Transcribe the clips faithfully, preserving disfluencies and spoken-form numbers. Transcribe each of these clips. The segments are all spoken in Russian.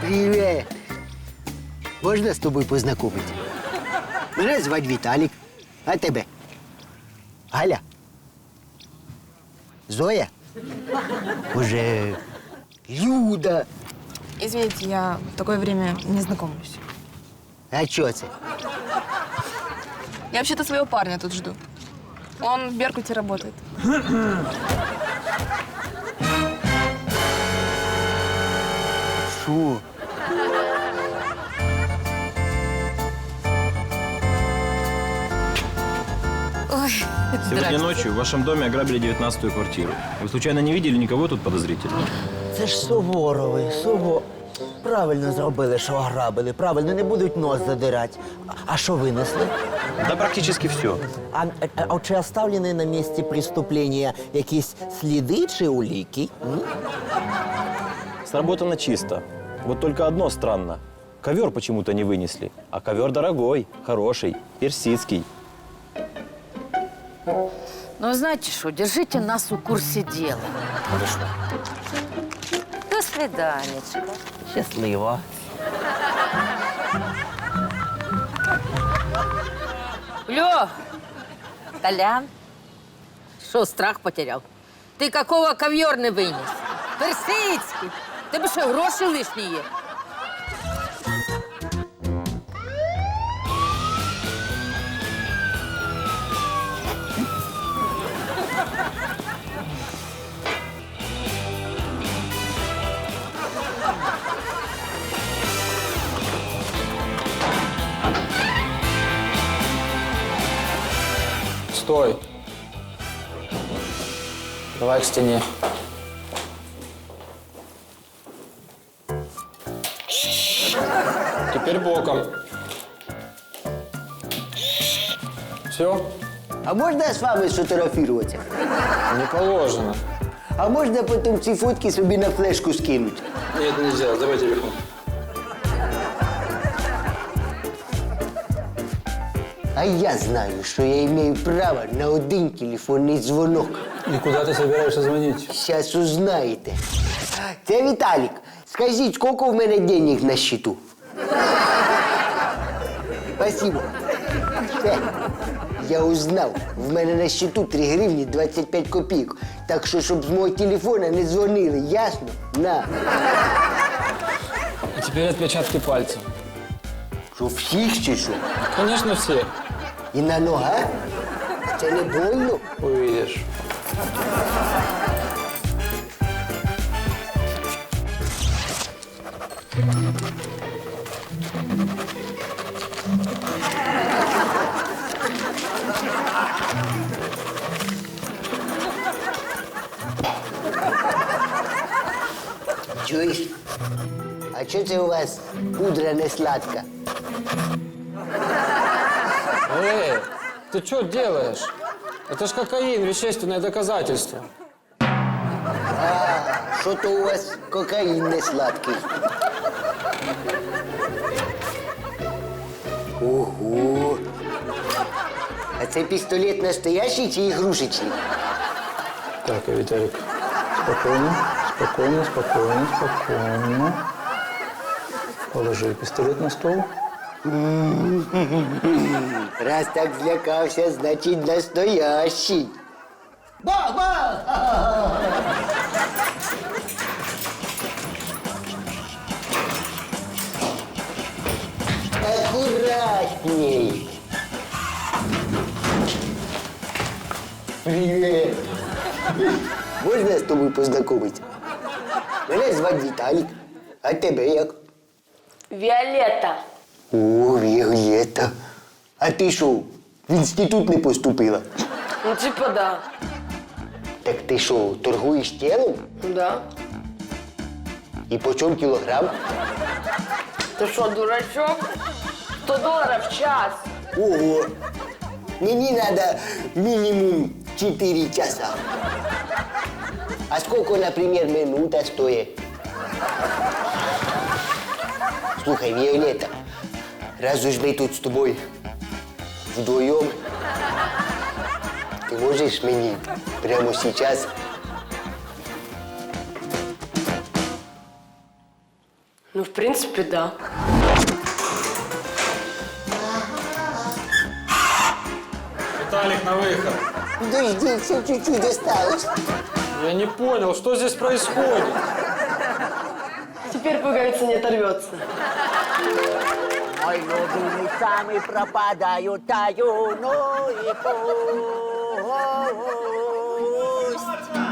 Привіт! Можна з тобою познайомити? Мене звати Віталік. А тебе? Галя? Зоя? Може, Люда? Извините, я в такое время не знакомлюсь. А чого це? Я вообще-то своего парня тут жду. Он в Беркуте работает. Що? Ой, Сегодня ночью в вашем доме ограбили девятнадцатую квартиру. Вы случайно не видели никого тут подозрительного? Це ж Суворовий, Суво. Правильно зробили, що ограбили. Правильно, не будуть нос задирати. А- А що винесли? Да практически все. А, а, а чи оставлені на місці преступлення якісь сліди чи уліки? М? Сработано чисто. Вот только одно странно. Ковер почему-то не вынесли. А ковер дорогой, хороший, персидский. Ну, знаете что, держите нас в курсе дела. До свиданечка. Щасливо. Лё, Толян, что, страх потерял? Ты какого ковер не вынес? Персидский. Тебе що, гроші лишні є? Стой. Давай к стене. Теперь боком. Все? А можна з вами сфотографуватися? Не положено. А можна потім ці фотки собі на флешку скинути? Нет, нельзя. Давай телефон. А я знаю, що я маю право на один телефонний дзвонок. И куда ты собираешься звонить? Зараз узнаєте. Це Віталік. Скажіть, скільки в мене денег на счету? Спасибо. Все. Я узнав. В мене на счету три гривні двадцять п'ять копійок. Так що, щоб з мого телефона не дзвонили, ясно? На. И теперь отпечатки пальцев. Що, всіх чи що? Конечно, все. І на ногах? Це не больно? Увидишь. Чуєш? А що це у вас пудра не сладка? Эй, ты что делаешь? Это ж кокаин, вещественное доказательство. Що то у вас кокаїн не сладкий? Ого! А це пістолет настоящий чи ігрушечний? Так, Виталик, спокойно, спокойно, спокойно, спокойно. Положи пистолет на стол. Раз так злякався, значить настоящий. Бах-бах! Аккуратней. Привет. Можна з тобою познайомитися? Мене звати Віталік. А тебе як? Віолетта. О, Віолетта. А ти що, в інститут не поступила? Ну, типа да. Так ти що, торгуєш тілом? Да. І по чому кілограм? Ты что, дурачок? сто долларов в час. Ого! Мені надо мінімум чотири часа. А сколько, например, минута стоит? Слухай, Виолетта, раз уж мы тут с тобой вдвоем, ты можешь мне прямо сейчас Ну, в принципе, да. Виталик, на выход. Подожди, еще чуть-чуть осталось. Я не понял, что здесь происходит? Теперь пуговица не оторвется. Ой, любимый самый пропадаю, таю, ну и пусть.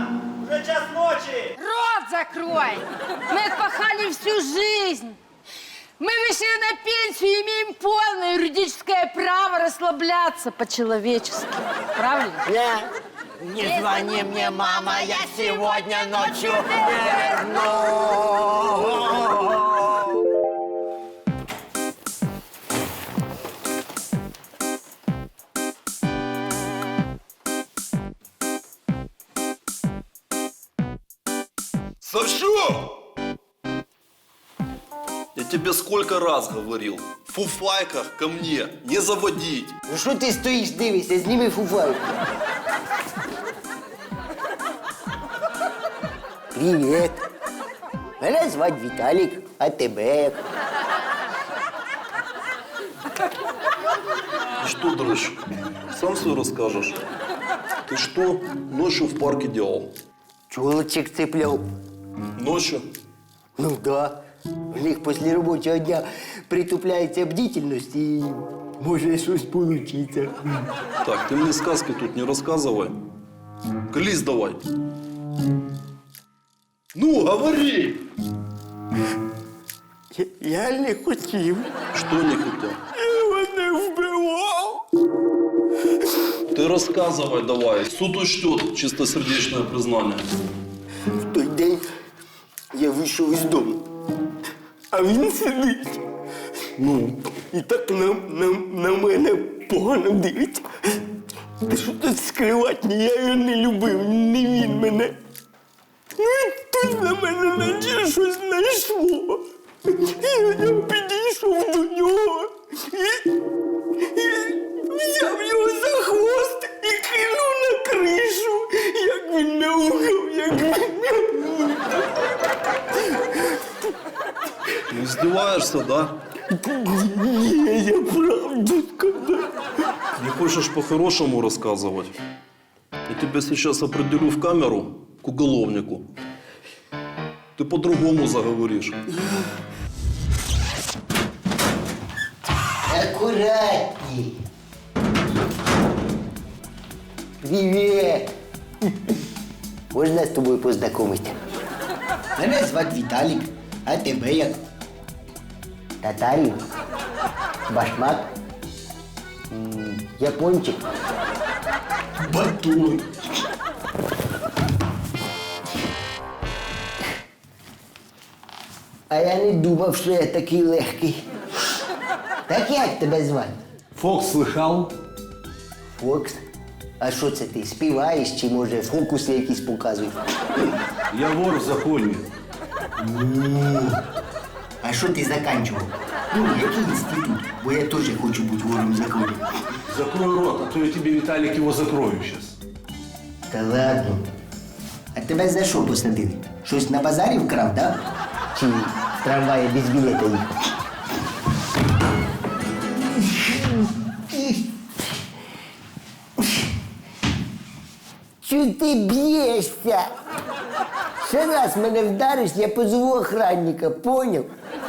Рот закрой! Мы отпахали всю жизнь. Мы вышли на пенсию и имеем полное юридическое право расслабляться по-человечески. Правильно? Не звони мне, мама, я сегодня ночью верну. Савчук! Я тебе сколько раз говорил, в фуфайках ко мне не заводить. Ну що ти стоїш, дивишся, зніми фуфайку. Привіт. Мене звати Віталік, а тебе як? Ты что, дрыщ, сам все расскажешь? Ты что ночью в парке делал? Чолочек цепляв. Ночью? Ну да. У них після робочого дня притупляється бдительність і може щось получиться. Так, ты мне сказки тут не рассказывай. Колись давай. Ну, говори! Я, я не хотів. Что не хотел? Я мене вбивав. Ты рассказывай давай. Суд учтет чистосердечное признание. В той день я вийшов із дому, а він сидить. Ну, і так на, на, на мене погано дивиться. Та що тут скривати, ні, я його не любив, не він мене. Ну і тут на мене наче щось знайшло. Я, я підійшов до нього і, і взяв його за хвост і кинув на кришу, як він мяукав, як він мяукав. Ты издеваешься, да? Ні, я правду сказав. Не хочешь по-хорошему рассказывать? Я тебя сейчас определю в камеру к уголовнику. Ты по-другому заговоришь. Аккуратней. Привет. Можна з тобою познайомитися? Мене звати Віталік, а тебе як? Татарин? Башмак? М, Япончик? Батон. А я не думав, що я такий легкий. Так як тебе звати? Фокс слыхал? Фокс? А що це ти, співаєш чи, може, фокуси якісь показуєш? Я вор в законе. А що ти заканчував? Ну, який інститут? Бо я теж хочу бути вором в законі. Закрой рот, а то я тебе, Виталик, его закрою сейчас. Та ладно. А тебе за що посадили? Щось на базарі вкрав, да? Чи в трамваї без білета їхав? Чого ти б'єшся? Ще раз мене вдариш, я позову охранника, поняв?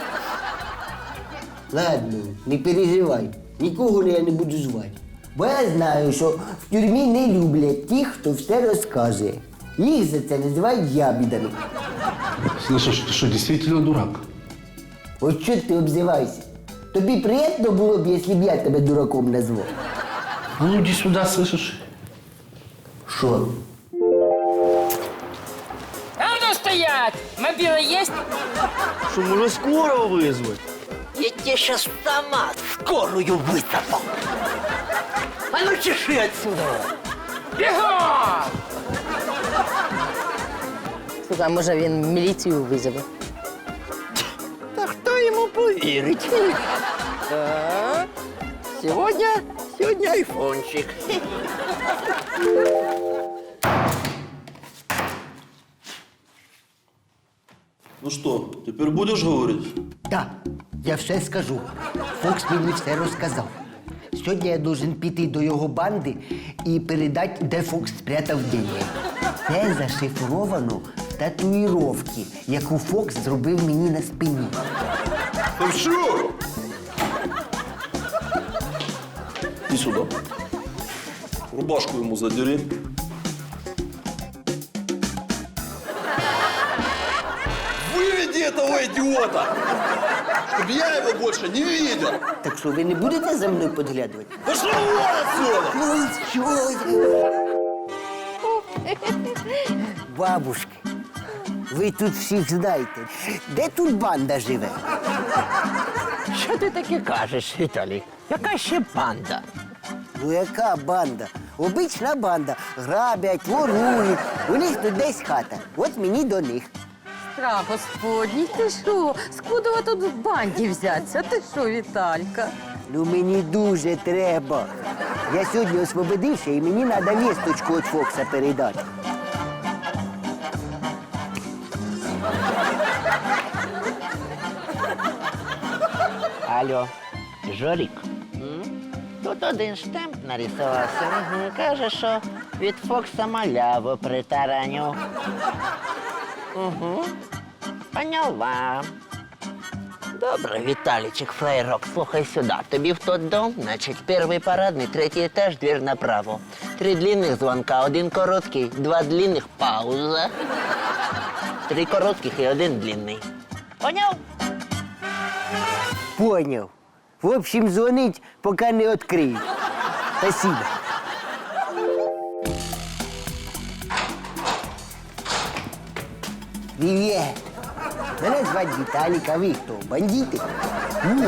Ладно, не переживай, нікого я не буду звати. Бо я знаю, що в тюрмі не люблять тих, хто все розказує. Їх за це називають ябідами. Слышишь, ты что, действительно дурак? От що ти обзивайся? Тобі приємно було б, якщо б я тебе дураком назвав? А ну иди сюда, слышишь? Що? А ну стоять! Мобила есть? Що, може, скоро визвати? Я тебе сейчас сама скорую высыпал. А ну чеши отсюда. Бігом! Слухай, а може він міліцію визове? Та хто йому повірить? А? Сьогодні, сьогодні айфончик. Ну что, теперь будешь говорить? Да, я все скажу. Фокс мені все розказав. Сьогодні я должен піти до його банди і передати, де Фокс спрятав деньги. Це зашифровано в татуїровці, яку Фокс зробив мені на спині. Фальшивый! Иди сюда. Рубашку ему задери. Выведи этого идиота! Чтобы я его больше не видел! Так що, ви не будете за мною підглядувати? Пошел вон отсюда! Ну, що ви? Бабушки, ви тут всіх знаєте. Де тут банда живе? Що ти таке кажеш, Віталій? Яка ще банда? Ну яка банда? Обична банда. Грабять, ворують. У них тут десь хата. От мені до них. Страх господній, ти що? Скудова тут в банді взяться? Ти що, Віталька? Ну мені дуже треба. Я сьогодні освободився і мені треба вісточку від Фокса передати. Алло, Жорік? Тут один штемп нарисувався. Угу. Каже, що від Фокса маляву притараню. Угу. Поняла. Добре, Віталічик, флейрок, слухай сюди. Тобі в тот дом, значить, перший парадний, третій етаж, двір направо. Три длинних звонка, один короткий, два длинних, пауза. Три коротких і один длинний. Поняв? Поняв. В общем, дзвонить, поки не відкриють. Спасибо. Привіт. Мене звати Віталік, а ви хто? Бандити? Ну.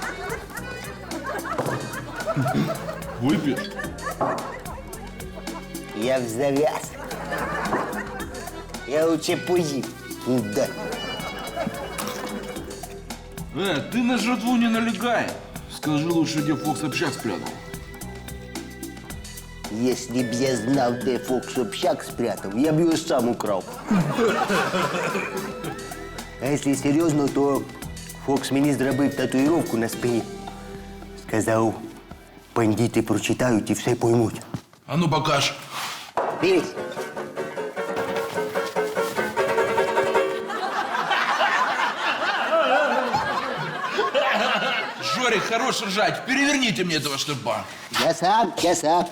Выпьешь? Я в зав'яз. Я лучше поїм. Да. Э, ты на жратву не налегай. Скажи лучше, где Фокс общак спрятал. Если б я знав, де Фокс общак спрятав, я б його сам украв. А якщо серйозно, то Фокс мені зробив татуїровку на спині. Сказав, бандити прочитають і все поймуть. А ну покаж. Дивись. Жорик, хорош ржать. Переверните мне этого штырба. Я сам, я сам.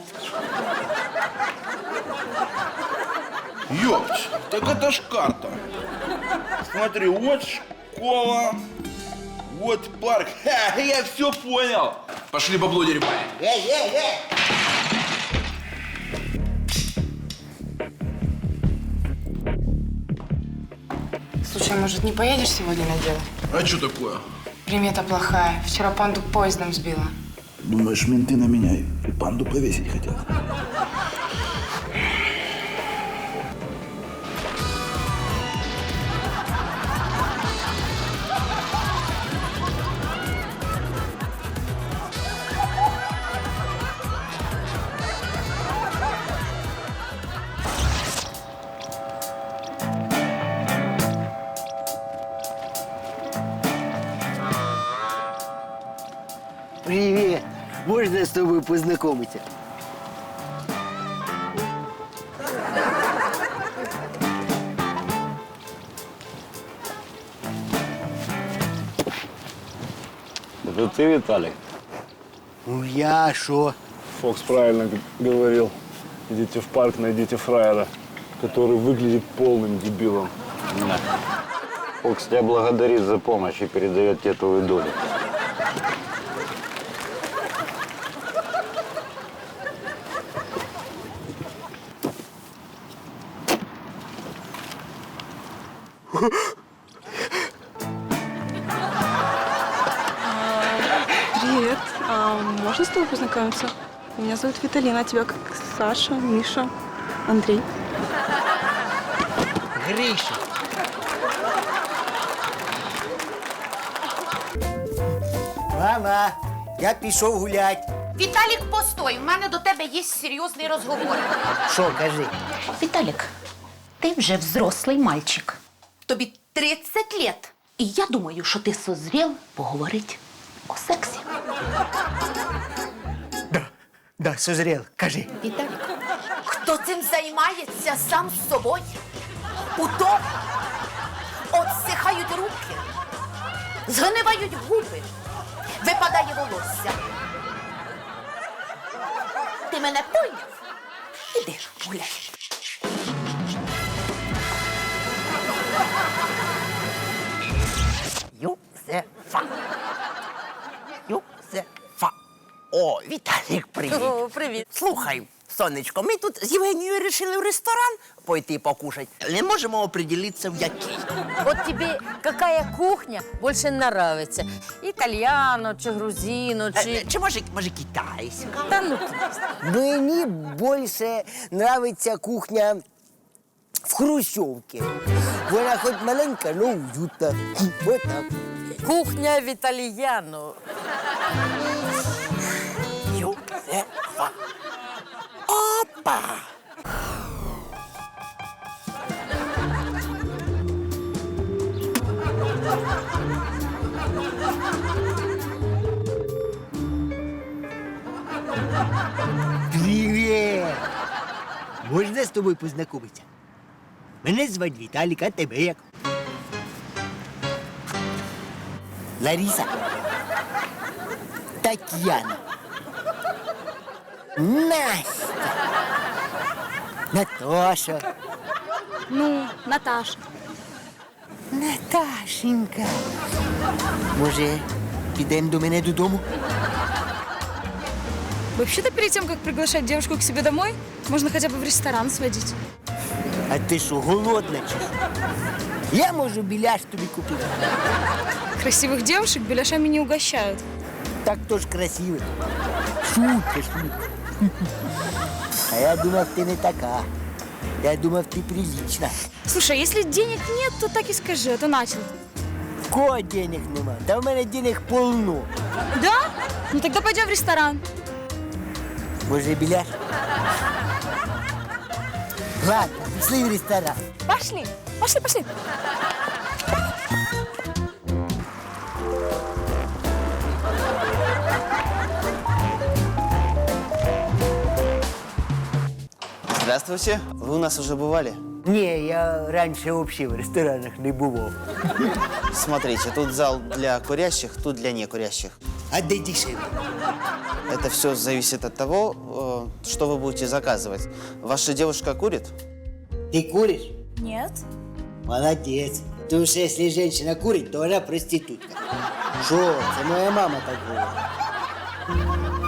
Ёпть, так это ж карта. Смотри, вот школа, вот парк. Ха, я все понял. Пошли бабло дерьмай. Эй, эй, эй! Слушай, может, не поедешь сегодня на дело? А что такое? Примета плохая. Вчера панду поездом сбила. Думаешь, менты на меня и панду повесить хотят? Привіт! Можна з тобою познайомитися? Это ты, Виталик? Ну я що? Фокс правильно г- говорил. Идите в парк, найдите фраера, который выглядит полным дебилом. Фокс тебя благодарит за помощь и передает тебе твою долю. Привет. А можно с тобой познакомиться? Меня зовут Виталина, а тебя как Саша, Миша, Андрей. Гриша. Мама, я пішов гулять. Віталік, постой, у мене до тебе є серйозний розговор. Що, кажи? Віталік, ти вже взрослий мальчик. Тобі тридцять лет. І я думаю, що ти созрів поговорити о сексі. Да, да, созрел, кажи. Віталік, хто цим займається сам з собою? У тому отсихають руки, згнивають губи, випадає волосся. Ти мене поняв? Іди ж гуляй. Юзефа. Юзефа. О, Віталік, привіт. О, привіт. Слухай, сонечко, ми тут з Євгенією вирішили в ресторан пойти покушати. Не можемо определитися, в який. Вот тебе какая кухня больше нравится? Итальяно, чи грузино, чи... Чи, чи може, може китайська? Та ну, Мені більше нравиться кухня в Хрущовці. Вона хоч маленька, але уютна. Вот так. кухня в итальяно. Юзефа. Опа! Привіт! Можна з тобою познайомитися? Мене звати Віталік, а тебе як? Лариса. Тетяна. Настя. Наташа. Ну, Наташа. Наташенька. Може, підемо до мене додому? Вообще-то перед тем, как приглашать девушку к себе домой, можно хотя бы в ресторан сводить. А ти що, голодна чи що? Я можу біляш тобі купити. Красивых девушек беляшами не угощают. Так то ж красиво. Шутка, шутка. А я думав, ти не така. Я думав, ти прилична. Слушай, а если денег нет, то так и скажи, а то начал. В кого денег нема? Та в мене денег полно. Да? Ну тогда пойдем в ресторан. Може, біляш? Ладно, пішли в ресторан. Пошли, пошли, пошли. Здравствуйте. Вы у нас уже бывали? Ні, я раніше взагалі в ресторанах не бував. Смотрите, тут зал для курящих, тут для некурящих. А де дешевле? Это все зависит от того, э, что вы будете заказывать. Ваша девушка курит? Ти куриш? Нет. Молодець. Тому що якщо жінка курить, то вона проститутка. Що? Це моя мама так говорить.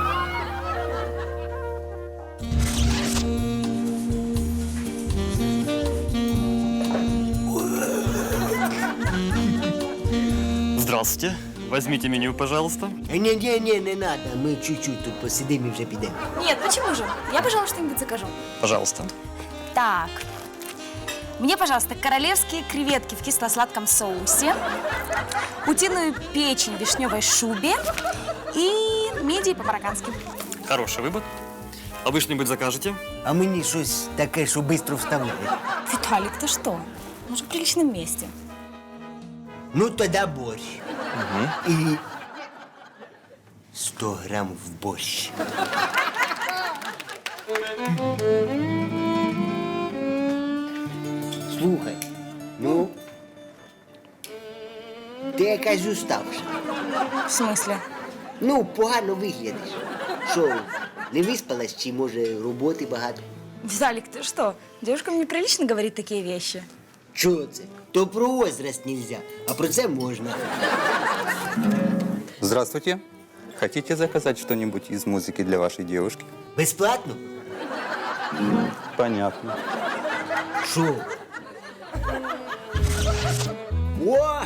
Здравствуйте. Возьмите меню, пожалуйста. Не-не-не, не надо. Ми чуть-чуть тут посидимо і вже підемо. Нет, почему же? Я, пожалуй, что-нибудь закажу. Пожалуйста. Так. Мне, пожалуйста, королевские креветки в кисло-сладком соусе, утиную печень в вишневой шубе и мидии по-мароккански. Хороший выбор. А вы что-нибудь закажете? А мені щось таке, що швидко вставляє. Виталик, ты что? Мы же в приличном месте. Ну, тоді борщ. І сто грам в борщ. Слухай, ну, ти якась уставша. В смысле? Ну, погано виглядиш. Що, не виспалась, чи, може, роботи багато? Виталик, ты что? Девушкам неприлично говорить такие вещи. Чого це? То про возраст нельзя, а про це можна. Здравствуйте. Хотите заказать что-нибудь из музыки для вашей девушки? Безплатно? Понятно. Шо? О!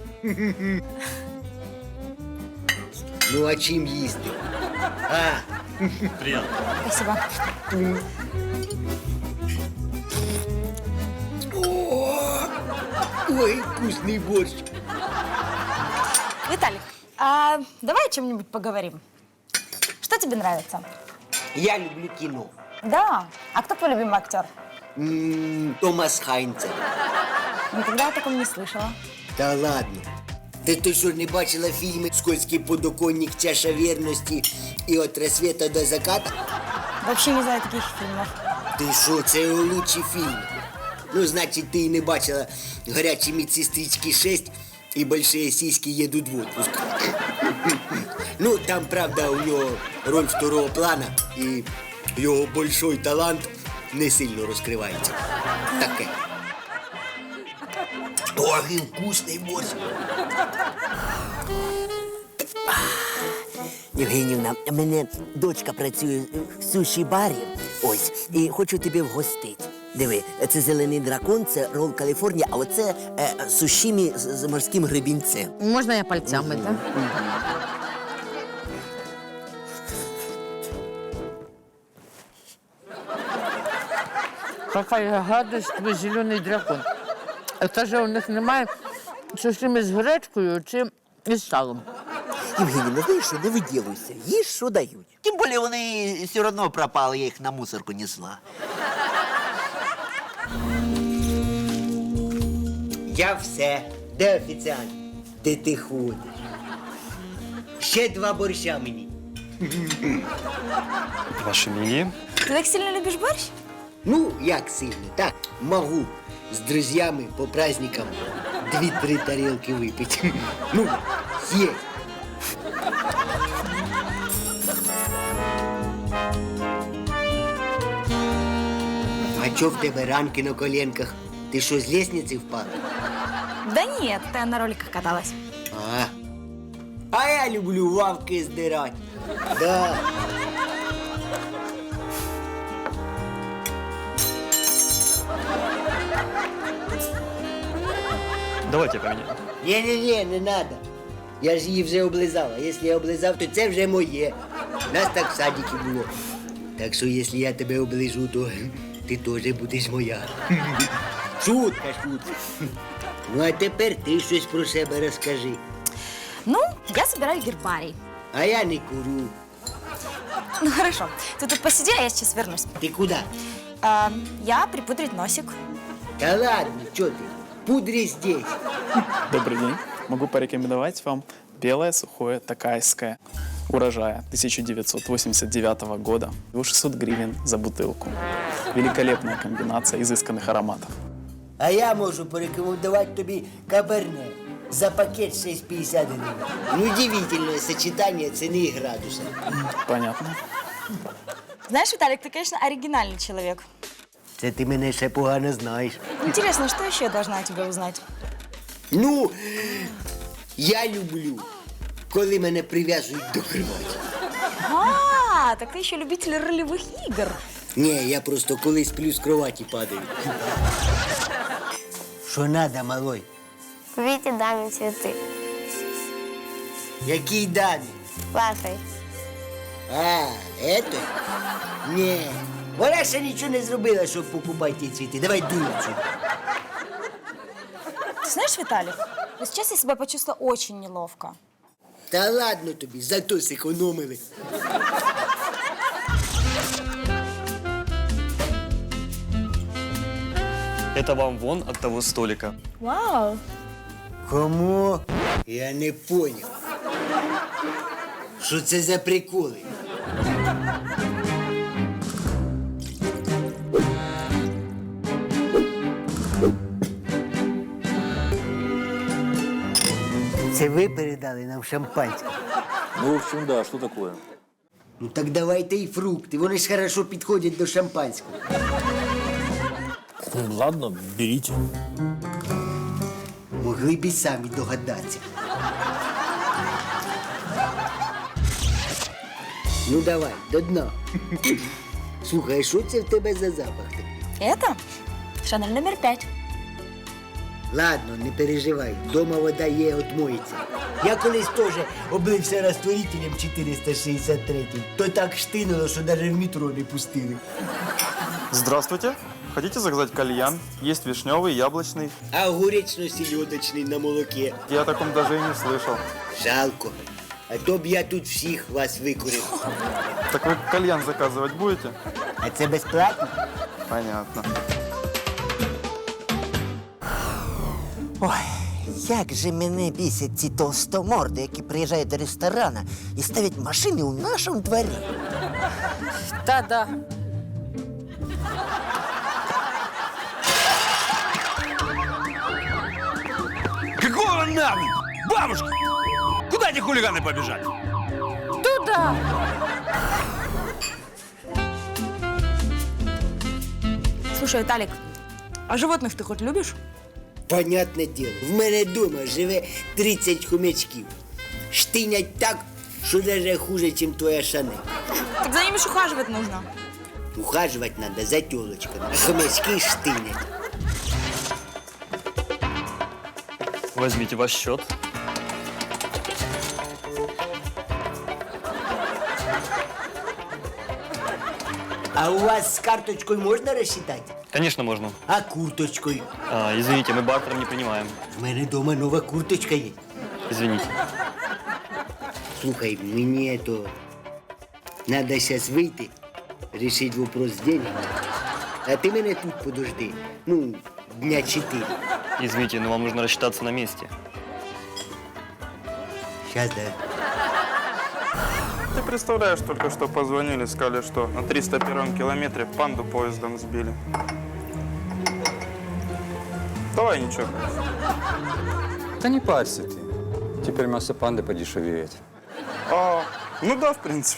Ну, а чим їсти? А! Приятно. Спасибо. О! Ой, вкусный борщ. Виталик, а давай о чем-нибудь поговорим. Что тебе нравится? Я люблю кино. Да. А кто твой любимый актер? М, Томас Хайнцер. Никогда о таком не слышала. Да ладно. Ти то що, не бачила фільми «Скользкий подоконник», «Чаша вірності» і «От рассвета до заката»? Вообще не знаю таких фильмов. Ти що, це його лучший фільм. Ну, значить, ти і не бачила «Горячі медсестрички шесть» і «Большие сиськи едут в отпуск». Ну, там, правда, у нього роль второго плана, і його большой талант не сильно розкривається. Таке. Ой, і вкусний борщ. Євгенівна, у мене дочка працює в суші-барі, ось, і хочу тебе вгостити. Диви, це зелений дракон, це рол Каліфорнія, а оце е, сушімі з, з морським гребінцем. Можна я пальцями, так? Какая гадость, твій зелений дракон. Це ж у них немає сушими з гречкою чи із салом. Євгенівна, знаєш що, не виділуйся, їж, що дають. Тим більше вони все одно пропали, я їх на мусорку несла. Я все. Де офіціант? Де ти ходиш? Ще два борща мені. Ваше мнение? Ты так сильно любишь борщ? Ну, як сильно, так, можу з друзями по праздникам дві-три тарілки випити. Ну, є. А чо в тебе ранки на коленках? Ти що, з лестниці впала? Да нет, я на роликах каталась. А, а я люблю лавки здирати. Да. Давайте поменяем. Ні-ні-ні, не надо. Я ж її вже облизала. Якщо я облизав, то це вже моє. Нас так в садіки було. Так що, якщо я тебе оближу, то ти теж будеш моя. Шутка, шутка. Ну, а тепер ти щось про себе розкажи. Ну, я собираю гербарий. А я не курю. Ну хорошо, ты тут посиди, а я сейчас вернусь. Ты куда? А, я припудрить носик. Да ладно, что ты? Пудри здесь. Добрый день. Могу порекомендовать вам белое сухое такайское урожая тысяча девятьсот восемьдесят девятого года. шестьсот гривен за бутылку. Великолепная комбинация изысканных ароматов. А я можу порекомендувати тобі каберне за пакет шесть пятьдесят гривень. Ну, удивительное сочетание цены и градуса. Понятно. Знаешь, Виталик, ты, конечно, оригинальный человек. Це ти мене ще погано знаєш. Интересно, что еще я должна о тебе узнать? Ну, я люблю, коли мене прив'язують до кроваті. А, так ты еще любитель ролевых игр. Ні, я просто коли сплю з кроваті падаю. Що надо, малой? Купите даме цветы. Якій дамі? Вашей. А, это? Ні. Вона ще нічого не зробила, щоб покупати ті цвіти. Давай дуй отсюда. Ты знаешь, Виталик, вот сейчас я себя почувствовала очень неловко. Та ладно тобі, зато зекономили. Это вам вон от того столика. Вау. Кому? Я не понял. Що це за приколи? Це ви передали нам шампанське? Ну, в общем, да, что такое? Ну так давайте і фрукти, вони ж хорошо підходять до шампанського. Ладно, берите. Могли б і самі догадатися. Ну давай, до дна. Слухай, а що це в тебе за запах такий? Это Шанель номер пять. Ладно, не переживай, дома вода є, отмоється. Я колись теж облився розтворителем чотириста шістдесят три, то так штинуло, що навіть в метро не пустили. Здравствуйте. Хотите заказать кальян? Есть вишневый, яблочный. А огуречно-селедочний на молоке? Я о таком даже и не слышал. Жалко. А то б я тут всіх вас викурив. Так вы кальян заказывать будете? А це безплатно? Понятно. Ой, Як же мене бісять ці толстоморди, які приїжджають до ресторана і ставлять машини у нашому дворі. Та-да. Какого нахуй? Бабушка! Куда эти хулиганы побежали? Туда! Слушай, Виталик, а животных ты хоть любишь? Понятне діло, в мене вдома живе тридцять хомячків. Штинять так, що навіть хуже, ніж твоя Шанель. Так за ними ж ухаживать нужно. Ухаживать надо за тілочками, а хомячки штинять. Возьмите ваш счет. А у вас з карточкою можна розчитати? Конечно, можно. А курточкою? А, извините, мы бартером не принимаем. В мене вдома нова курточка є. Извините. Слухай, мені то надо зараз вийти, рішити вопрос з деньгами. А ти мене тут подожди. Ну, дня чотири. Извините, но вам нужно рассчитаться на месте. Сейчас, да. Ты представляешь, только что позвонили, сказали, что на триста первом километре панду поездом сбили. Давай ничего. Да не парься ты. Теперь мясо панды подешевеет. А, ну да, в принципе.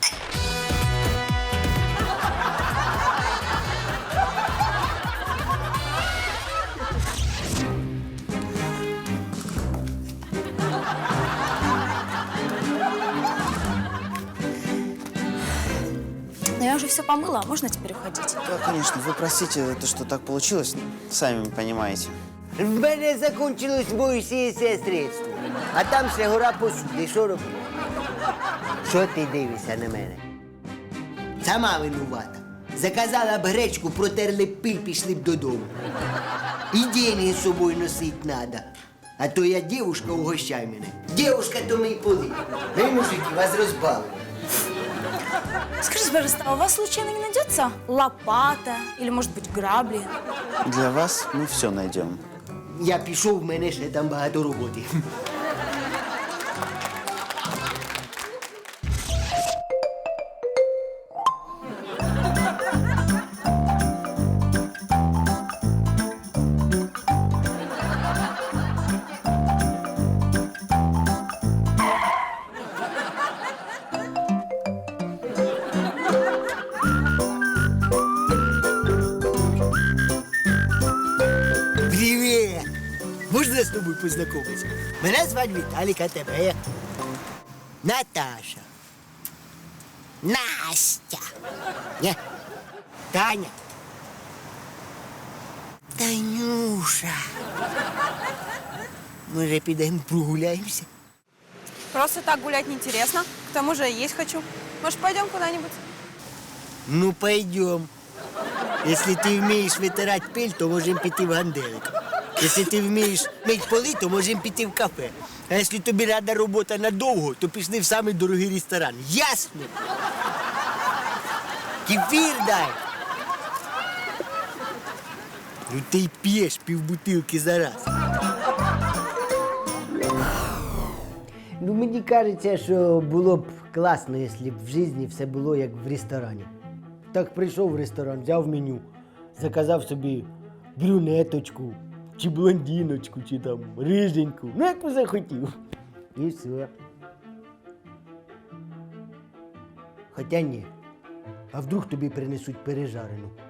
Но я уже все помыла, можно теперь уходить? Да, конечно, вы простите, то, что так получилось, сами понимаете. В мене закінчилось моє средство. А там ще гора посуди. Що робити? Що ти дивишся на мене? Сама винувата. Заказала б гречку, протерли б пиль, пішли б додому. І деньги з собою носить надо. А то я дівушка, угощай мене. Дівушка, то мій поли. Ви, мужики, вас розбавили. Скажите, пожалуйста, а у вас случайно не найдется лопата или, может быть, грабли? Для вас мы все найдем. Я пішов, в мене ще там багато роботи. Привіт! Можна з тобою познайомитися? Мене звати Віталік, а тебе як? Наташа. Настя. Ні. Таня. Танюша. Може, підемо прогуляємося? Просто так гулять неинтересно. К тому же есть хочу. Может, пойдем куда-нибудь? Ну, пойдем. Если ты вмієш витирати пиль, то можемо піти в ганделик. Якщо ти вмієш мити поли, то можемо піти в кафе. А якщо тобі рада робота надовго, то пішли в самий дорогий ресторан. Ясно? Кефір дай. Ну ти й п'єш півбутилки за раз. Ну, мені кажеться, що було б класно, якщо б в житті все було як в ресторані. Так прийшов в ресторан, взяв меню, заказав собі брюнеточку, чи блондиночку, чи там риженьку. Ну, як би захотів. І все. Хоча ні. А вдруг тобі принесуть пережарену?